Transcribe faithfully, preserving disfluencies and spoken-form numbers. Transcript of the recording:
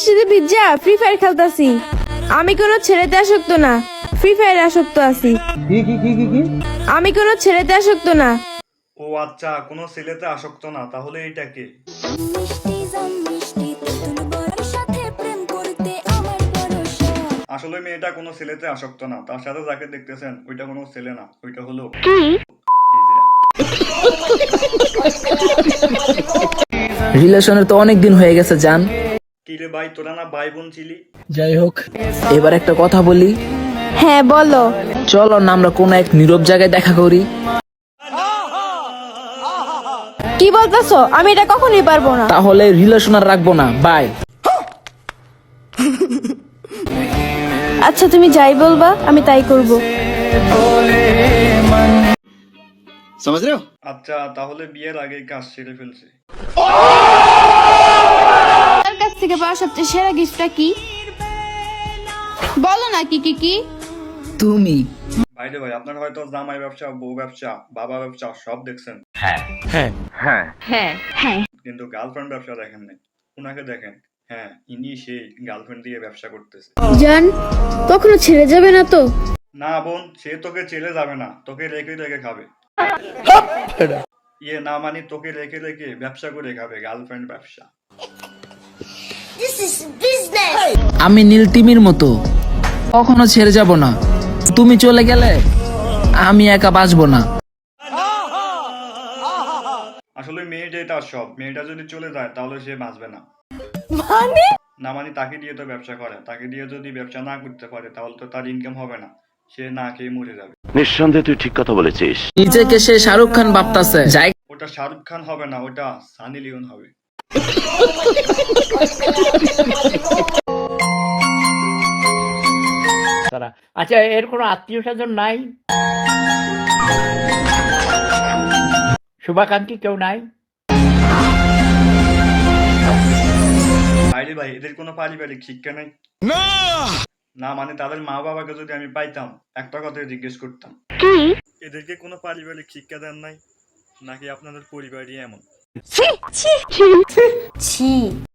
বৃষ্টিতে ভিজা free fire খেলতাছি। আমি কোনো ছেলেতে আসক্ত না, ফ্রি ফায়ারে আসক্ত আছি। কি কি কি কি কি আমি কোনো ছেলেতে আসক্ত না। ও আচ্ছা, কোনো ছেলেতে আসক্ত না, তাহলে এইটা কে? আসলে মেয়েটা কোনো ছেলেতে আসক্ত না, তার সাথে যাকে দেখতেছেন ওইটা কোনো ছেলে না, ওইটা হলো ইজরা। রিলেশনের তো অনেক দিন হয়ে গেছে জান। কি রে ভাই, তোরা না ভাই বোন ছিলি? যাই হোক, এবার একটা কথা বলি। হ্যাঁ বলো। চলো না আমরা কোনো এক নীরব জায়গায় দেখা করি। কি বলতেছো? আমি এটা কখনোই পারবো না। তাহলে রিলেশন আর রাখবো না, বাই। আচ্ছা তুমি যাই বলবা আমি তাই করব। আচ্ছা তাহলে বিয়ের আগে কাজ সেরে ফেলছে। তার কাছ থেকে পাওয়া সবচেয়ে সেরা গিফটটা কি? বলো না কি কি কি? তুমি ভাইরে ভাই, আপনার হয়তো জামাই ব্যবসা, বউ ব্যবসা, বাবা ব্যবসা সব দেখছেন, কিন্তু গার্লফ্রেন্ড ব্যবসা দেখেন নাই। উনাকে দেখেন, হ্যাঁ ইনি সেই গার্লফ্রেন্ড দিয়ে ব্যবসা করতেছে। জান কখনো ছেড়ে যাবে না তো? না বোন, সে তোকে চেলে যাবে না, তোকে রেখে রেখে খাবে। ইয়ে না মানি তোকে রেখে রেখে ব্যবসা করে খাবে, গার্লফ্রেন্ড ব্যবসা। আমি নীলতিমির মতো কখনো ছেড়ে যাব না। তুমি চলে গেলে আমি একা বাঁচবো না। আসলে মেয়েটা তার সব, মেয়েটা যদি চলে যায় তাহলে সে বাঁচবে না। মানে না মানে তাকে দিয়ে তো ব্যবসা করে, তাকে দিয়ে যদি ব্যবসা না করতে পারে তাহলে তো তার ইনকাম হবে না, সে না খেয়ে মরে যাবে। নিঃসন্দেহে তুই ঠিক কথা বলেছিস। নিজেকে সে শাহরুখ খান ভাবতাছে। যাই, ওটা শাহরুখ খান হবে না, ওটা সানি লিওন হবে। আচ্ছা, এর কোনো আত্মীয় স্বজন নাই? শুভাকাঙ্ক্ষী কেউ নাই? ভাইরে ভাই, এদের কোনো পারিবারিক শিক্ষা নেই? না মানে তাদের মা বাবাকে যদি আমি পাইতাম একটা কথাই জিজ্ঞেস করতাম, এদেরকে কোনো পারিবারিক শিক্ষা দেন নাই নাকি আপনাদের পরিবারই এমন? ছি